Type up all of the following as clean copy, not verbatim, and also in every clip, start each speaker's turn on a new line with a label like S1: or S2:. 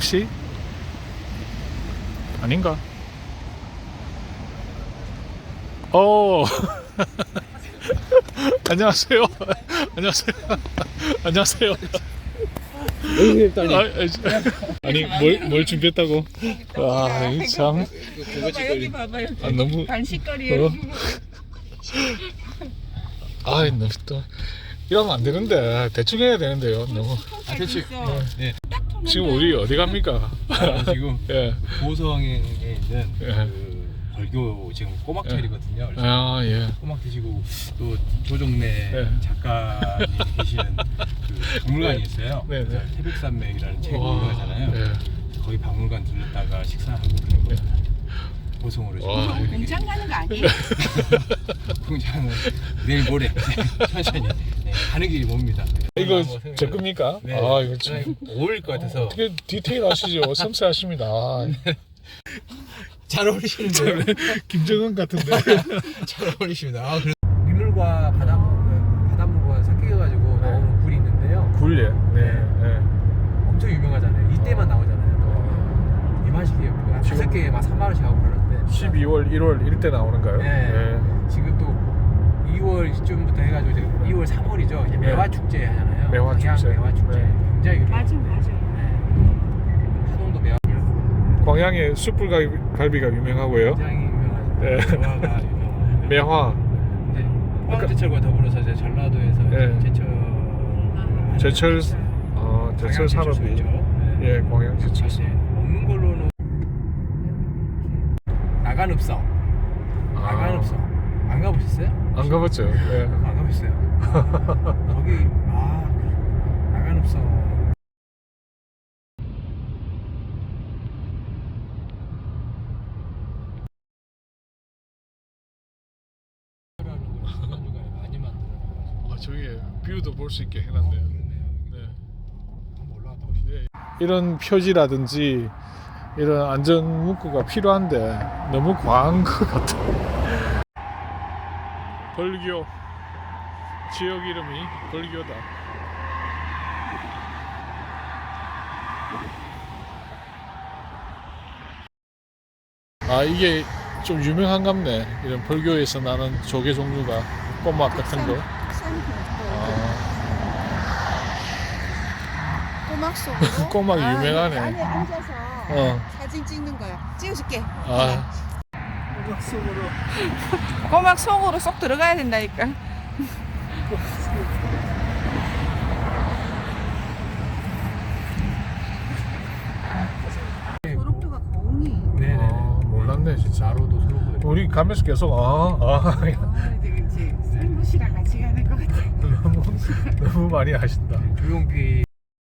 S1: 혹시? 아닌가? 안녕하세요. 안녕하세요. 안녕하세요. 아니 뭘 준비했다고? 참.
S2: 여기 봐봐요.
S1: 너무
S2: 간식거리예요.
S1: 너무 또 이러면 안 되는데 대충 해야 되는데요. 너무.
S2: 대충.
S3: 네.
S1: 지금 우리 어디 갑니까?
S3: 지금
S1: 예.
S3: 보성에 있는
S1: 예.
S3: 그 벌교 지금 꼬막철이거든요.
S1: 예.
S3: 꼬막 드시고 또 조정래
S1: 예.
S3: 작가님 계시는 그 박물관이 있어요.
S1: 네, 네.
S3: 태백산맥이라는 책을
S1: 와,
S3: 유명하잖아요.
S1: 예.
S3: 거기 박물관 들렀다가 식사하고 그런 거. 보성으로
S1: 와,
S3: 지금
S2: 공장 가는 거 아니에요?
S3: 공장은 내일 모레 천천히 가는 길이 멉니다.
S1: 이거
S3: 한번 생각해
S1: 제 겁니까?
S3: 네.
S1: 이거 참
S3: 어울릴 것 같아서
S1: 어떻게 디테일하시죠? 섬세하십니다.
S3: 잘 어울리시는데요.
S1: 김정은 같은데.
S3: 잘 어울리십니다. 민물과 바닷물과 섞여가지고 나오는 굴이 있는데요.
S1: 굴예. 네.
S3: 엄청 유명하잖아요. 이때만 나오잖아요. 이만식이에요. 한
S1: 지금-
S3: 5개에 막 3만 원씩 하고 그러는데
S1: 12월, 1월 이럴 때 나오는가요?
S3: 네. 지금 또 2월쯤부터 해가지고 이제 2월, 3월이죠. 이제 매화 축제 하잖아요.
S1: 매화
S3: 광양
S1: 축제.
S3: 매화 축제.
S1: 네.
S3: 굉장히 유명.
S2: 맞아요.
S3: 하동도 매화
S1: 광양의 숯불갈비가 유명하고요.
S3: 굉장히 유명하죠.
S1: 네.
S3: 매화가 유명하고.
S1: 매화,
S3: 이제 포항제철과 더불어서 이제 전라도에서
S1: 네.
S3: 제철
S1: 제철 산업이.
S3: 네.
S1: 예, 광양 제철.
S3: 사실 먹는 걸로는 나간읍성. 나간읍성 안 가보셨어요?
S1: 안 가봤죠. 예.
S3: 안 가보셨어요? 거기 나간읍성. 중간중간에 많이 만들어놔가지고
S1: 저기 뷰도 볼 수 있게 해놨네요.
S3: 그렇네요.
S1: 네.
S3: 한번 올라갔다 오시죠.
S1: 이런 표지라든지 이런 안전 문구가 필요한데 너무 과한 것 같아요. 벌교 지역 이름이 벌교다. 이게 좀 유명한갑네. 이런 벌교에서 나는 조개 종류가 꼬막 같은 거.
S4: 꼬막 속으로
S1: 꼬막이 유명하네.
S4: 여기 안에 앉아서 사진 찍는 거야. 찍어줄게.
S2: 꼬막 속으로 쏙 들어가야 된다니까.
S4: 소록도가 공이.
S3: 네네네.
S1: 몰랐네 진짜.
S3: 나로도 서로
S1: 우리 가면서 계속
S4: 그렇지. 쌀무시랑 같이 가는 것 같아.
S1: 너무 많이 하신다.
S3: 조용필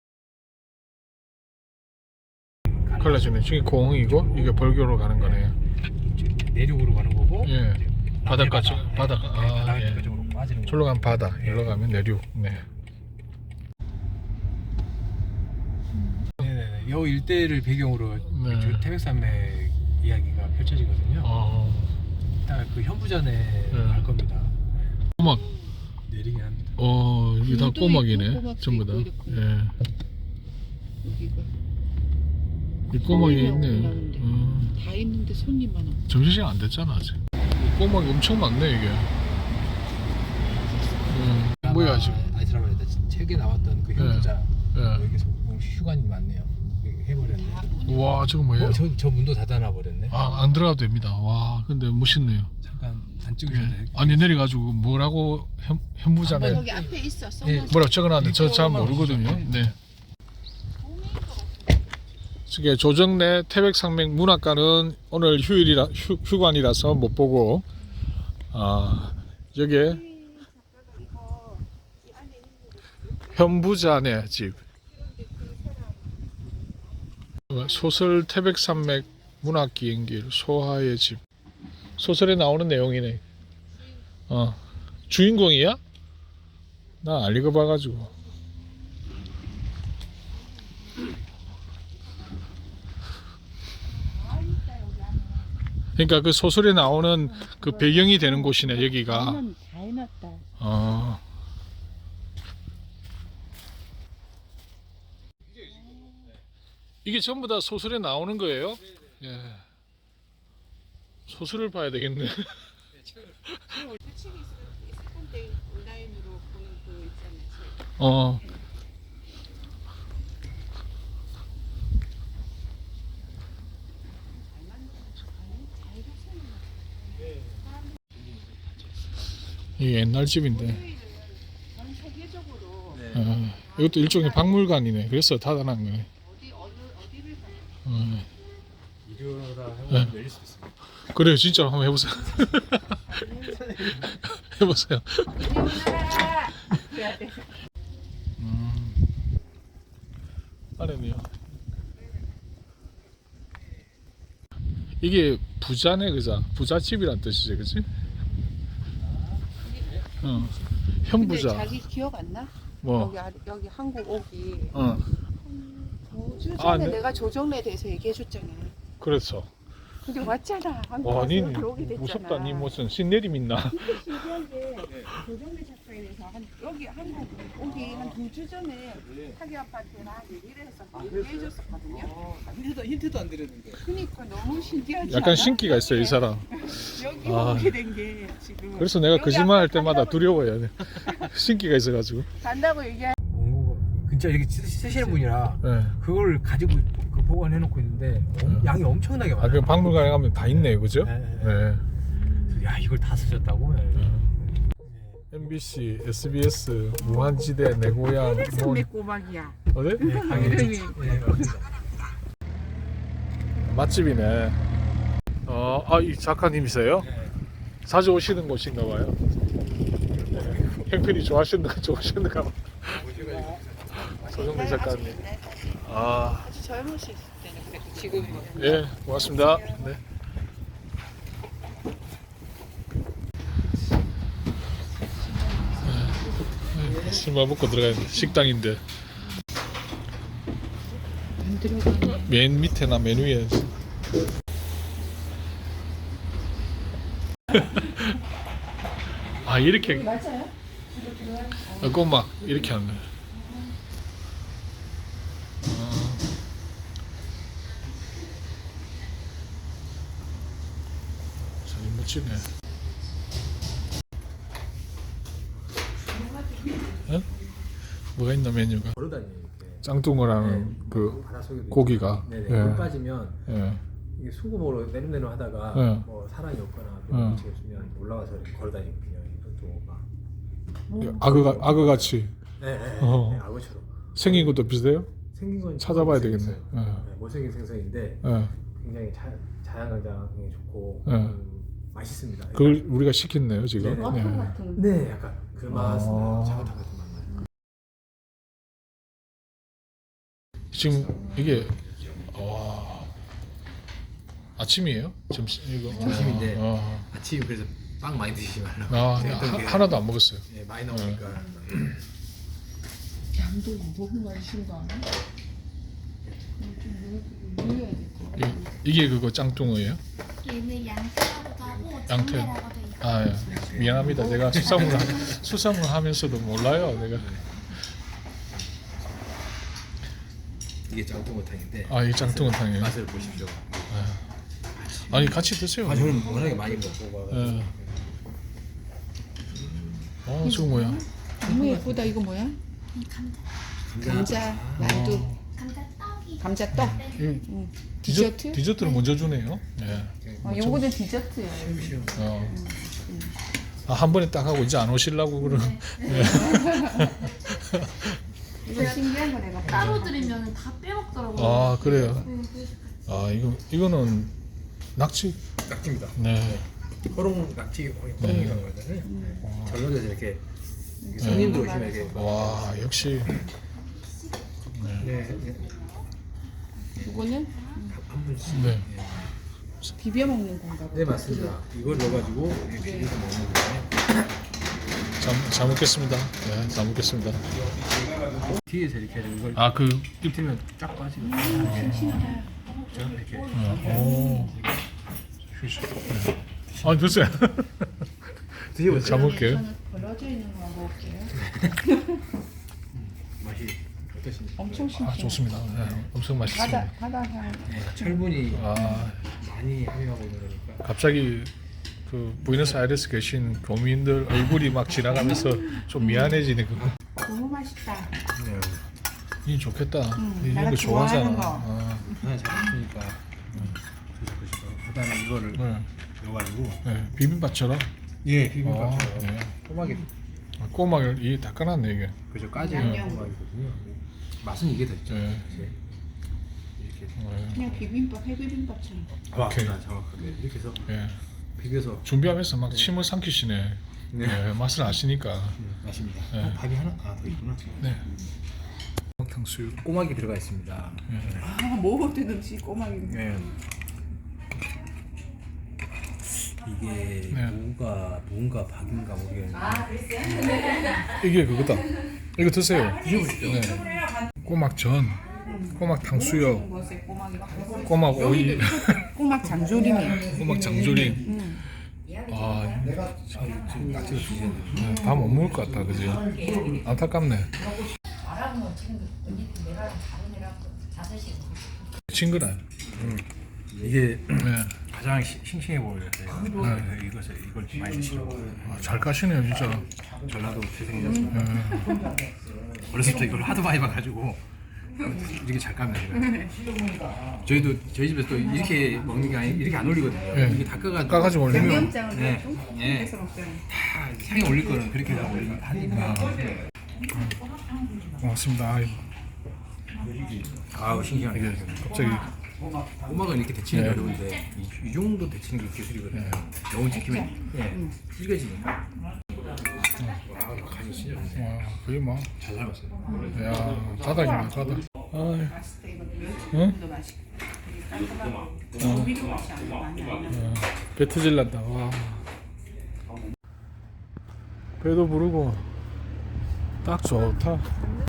S1: 콜라주네. 저기 공이고 이게 벌교로 가는 거네요.
S3: 내륙으로 가는 거고.
S1: 예. 바닷가 쪽, 바닷가.
S3: 바닷가
S1: 예.
S3: 쪽으로 빠지는 거.
S1: 절로 가면 바다, 일로 가면 내륙. 네.
S3: 네네네. 요 일대를 배경으로
S1: 네.
S3: 태백산맥 이야기가 펼쳐지거든요. 이따 그 현부전에 갈 겁니다.
S1: 꼬막.
S3: 내리긴 합니다.
S1: 이게 다
S4: 굴도
S1: 꼬막이네.
S4: 있고, 꼬막도
S1: 전부 다.
S4: 있고 이렇게.
S1: 예.
S4: 여기가
S1: 이 꼬막이
S4: 손님이
S1: 있네.
S4: 오는데. 다 있는데 손님만 없어.
S1: 점심시간 안 됐잖아 아직. 이 꼬막이 엄청 많네 이게. 뭐야 지금?
S3: 아이스라벨에다 책에 나왔던 그 현부자
S1: 예.
S3: 여기서 휴관이 많네요. 여기 해버렸네.
S1: 와 저거 뭐예요?
S3: 저 문도 닫아놔 버렸네.
S1: 안 들어가도 됩니다. 와 근데 멋있네요.
S3: 잠깐 안 찍으셔도 돼요.
S1: 아니 내려가지고 뭐라고 현무자네.
S4: 거기 앞에 있어.
S3: 네.
S1: 뭐라고 적어놨는데 저 잘 모르거든요. 네. 이게 조정래 태백산맥 문학관은 오늘 휴관이라서 못 보고 여기에 현부자네 집. 소설 태백산맥 문학기행길 소하의 집. 소설에 나오는 내용이네. 주인공이야? 나 안 읽어봐가지고. 그러니까 그 소설에 나오는 그 배경이 되는 곳이네 여기가.
S4: 다 해놨다.
S1: 이게 전부 다 소설에 나오는 거예요? 예. 소설을 봐야 되겠네.
S4: 책이 있을 때 온라인으로 보는 그 있잖아요. 책.
S1: 어. 이게 옛날 집인데.
S4: 전 세계적으로
S1: 이것도 일종의 박물관이네. 그래서 닫아놓은 거네.
S4: 어디를 가요?
S3: 이러다
S1: 네.
S3: 하면 열릴 수 있습니다.
S1: 그래요, 진짜 한번 해보세요. 해보세요.
S4: 그래야 돼.
S1: 안에는요. 이게 부자네, 그자? 부잣집이란 뜻이지, 그치?
S4: 근데
S1: 현부자.
S4: 자기 기억 안 나?
S1: 뭐?
S4: 여기 한국 오기
S1: 어,
S4: 5주 전에
S1: 아, 네.
S4: 내가 조정래에 대해서 얘기해줬잖아.
S1: 그렇죠.
S4: 근데 왔잖아. 한국
S1: 와,
S4: 와서
S1: 니
S4: 들어오게 됐잖아.
S1: 무섭다. 니 무슨 신내림 있나?
S4: 신기한 게 조정래 작가에 대해서 여기 한국 오기 한 2주 전에 타기 아빠한테 나 얘기를 해서 얘기해줬었거든요.
S3: 힌트도 안 드렸는데.
S4: 그러니까 너무 신기하지
S1: 약간
S4: 않아?
S1: 신기가 있어, 이 사람.
S4: 여기
S1: 아.
S4: 오게 된 게 지금.
S1: 그래서 내가
S4: 여기
S1: 거짓말 할
S4: 아까
S1: 때마다
S4: 간다고-
S1: 두려워요. 신기가 있어가지고.
S4: 간다고 얘기할
S3: 원고 진짜 이렇게 쓰시는 분이라
S1: 예.
S3: 그걸 가지고 그 보관해 놓고 있는데 양이 엄청나게
S1: 아,
S3: 많아요.
S1: 그 박물관에 가면 다 있네요, 그죠?
S3: 네.
S1: 네.
S3: 야 이걸 다 쓰셨다고?
S1: MBC, SBS, 무한지대, 내 고향, 뭐,
S4: 꼬막이야.
S1: 어디?
S3: 당연히. 네, 맞습니다.
S1: 맛집이네. 이 작가님이세요? 자주 오시는 곳인가 봐요. 네. 형편이 좋으신가 봐. 조정래 작가님. 아,
S4: 아주 젊으실 때는 그랬고 지금은
S1: 예, 고맙습니다. 네. 술만 먹고 들어가야 돼. 식당인데.
S4: 안 들어가네.
S1: 맨 밑에나 맨 위에. 아, 이렇게.
S4: 맞아요?
S1: 꼬막 이렇게 하네. 잘 멋지네. 어? 뭐가 있나 메뉴가?
S3: 걸어다니는 이렇게.
S1: 짱뚱어라는 그
S3: 바다 속에
S1: 고기가.
S3: 네네.
S1: 예.
S3: 물 빠지면
S1: 예.
S3: 이게 수금으로 내름내름 하다가
S1: 네.
S3: 뭐 사랑이 없거나
S1: 네.
S3: 음식이 없으면 올라와서 이렇게 걸어다니거든요. 이것도
S1: 악어같이
S3: 네, 네,
S1: 어.
S3: 네, 악어처럼
S1: 생긴 것도 비슷해요?
S3: 생긴 건
S1: 찾아봐야
S3: 처음
S1: 되겠네.
S3: 생겼어요.
S1: 네.
S3: 네, 못생긴 생선인데
S1: 예.
S3: 굉장히 자연광장이 좋고
S1: 네.
S3: 맛있습니다.
S1: 그걸 우리가 시켰네요 지금.
S3: 네.
S4: 와플 같은.
S3: 네, 약간 그 맛은
S1: 아.
S3: 자긋한 같은 맛 나요.
S1: 지금 이게 와 아침이에요? 점심 이거
S3: 점심인데.
S1: 아,
S3: 아침 그래서 빵 많이 드시지 말라고.
S1: 하나도 안 먹었어요.
S3: 네, 많이 나오니까.
S4: 양도 너무 많이 신거 아니야? 좀 늘려야 될 것 같아.
S1: 이게 그거 짱뚱어예요?
S5: 얘는 양태라고도 하고
S1: 양태.
S5: 장태라고도 있고
S1: 아 예. 미안합니다. 내가 수상을 하면서도 몰라요. 내가
S3: 이게 짱뚱어탕인데.
S1: 이 짱뚱어탕이에요.
S3: 맛을 보십시오.
S1: 아니 같이 드세요.
S3: 아, 저는 워낙에 많이 먹고
S1: 예. 저거 뭐야?
S4: 너무 예쁘다. 이거 뭐야? 감자, 만두,
S5: 감자떡이
S4: 감자떡. 디저트?
S1: 디저트를 먼저 주네요. 예.
S4: 요거는 디저트예요.
S1: 한 번에 딱 하고 이제 안 오시려고 그러는.
S4: 이거 신기한 거 내가
S5: 따로 드리면 다 빼먹더라고요.
S1: 아 그래요.
S5: 네, 그래서
S1: 이거는 낙지.
S3: 낙지입니다.
S1: 네.
S3: 호롱 낙지 호롱이라고 하잖아요. 전라도에서 이렇게 손님들 오시면 이렇게
S1: 와 역시.
S3: 네,
S4: 이거는
S3: 한 분씩.
S1: 네.
S4: 비벼 먹는 건가 봐.
S3: 네 맞습니다. 이걸 넣어가지고 이렇게 비벼서 먹는 거예요.
S1: 잘 먹겠습니다. 네, 잘 먹겠습니다.
S3: 뒤에서 이렇게 이걸
S1: 그
S3: 입틀면 쫙 빠지고
S4: 신기하다.
S3: 이렇게
S1: 오. 됐어요.
S3: 드셔보세요.
S1: 잘 먹을게요.
S4: 저는 벌어져 있는 거 먹을게요.
S3: 맛이 어떠십니까?
S4: 엄청
S1: 아,
S4: 싱싱해.
S1: 좋습니다. 네, 엄청 맛있습니다.
S4: 바다 향.
S3: 네, 철분이
S1: 아,
S3: 많이 함유하고 있는 거니까.
S1: 갑자기 그 부에노스아이레스 계신 교민들 얼굴이 막 지나가면서 좀 미안해지네 그거.
S4: 너무 맛있다.
S3: 네.
S1: 이 좋겠다. 이런
S4: 내가
S1: 거 좋아하잖아.
S4: 좋아하는 거.
S1: 아,
S3: 네, 잘했으니까. 그다음에 이거를
S1: 네.
S3: 넣어가지고.
S1: 네, 비빔밥처럼.
S3: 예, 비빔밥.
S1: 아, 네.
S3: 꼬막이
S1: 꼬막을 이 다 까놨네
S3: 그죠 까지
S4: 양념.
S3: 꼬막이거든요. 맛은 이게 더 있죠.
S1: 네.
S3: 이제 이렇게.
S1: 이게.
S4: 그냥 비빔밥, 회비빔밥처럼.
S1: 오케이.
S3: 정확하게 이렇게 해서
S1: 예.
S3: 비벼서
S1: 준비하면서 막 침을 삼키시네.
S3: 네.
S1: 예, 맛을 아시니까.
S3: 맛입니다.
S1: 네.
S3: 밥이 하나 더 있구나.
S1: 네. 탕수육.
S3: 꼬막이 들어가 있습니다.
S4: 아, 먹어도 꼬막이.
S3: 네. 이게
S1: 네.
S3: 무가 박인가 모르겠는데.
S1: 이게 그거다. 이거 드세요. 드셔보시죠. 네. 꼬막전, 꼬막 탕수육, 꼬막 오이,
S4: 꼬막 장조림이.
S1: 꼬막 장조림. 아,
S3: 지금 낙지를 주시는데.
S1: 다 못 먹을 것 같다, 그지? 안타깝네. 친근해.
S3: 이게
S1: 네.
S3: 가장 싱싱해 보여요. 네. 이걸 많이 드시라고.
S1: 아, 잘 까시네요, 진짜.
S3: 전라도 태생이라서 어렸을 때 이걸 하도 많이 봐가지고 이렇게 잘 까면 돼요. 저희 집에서 또 이렇게 먹는 게 아니 이렇게 안 올리거든요.
S1: 네.
S3: 이게 다
S1: 까가지고 올리면.
S4: 양념장을
S3: 네.
S4: 좀
S3: 네.
S4: 해서 먹잖아.
S3: 다 향이 올릴 거는 그렇게 다 올리니까.
S1: 고맙습니다.
S3: 아우 신기하네.
S1: 이게 갑자기.
S3: 꼬막은 이렇게 데치는 게
S1: 네.
S3: 어려운데 이 정도 데치는 게 기술이거든요. 너무 지키면 질겨지니까. 와 간이 진짜 좋네.
S1: 와, 거의 뭐.
S3: 잘 삶았어요.
S1: 야, 바닥이네, 바닥. 아이,
S4: 맛있다 이거.
S1: 응?
S4: 면도 맛있고. 깔끔하고. 조미료 맛이 많이 안 나.
S1: 배 터질란다. 와. 배도 부르고 딱 좋다.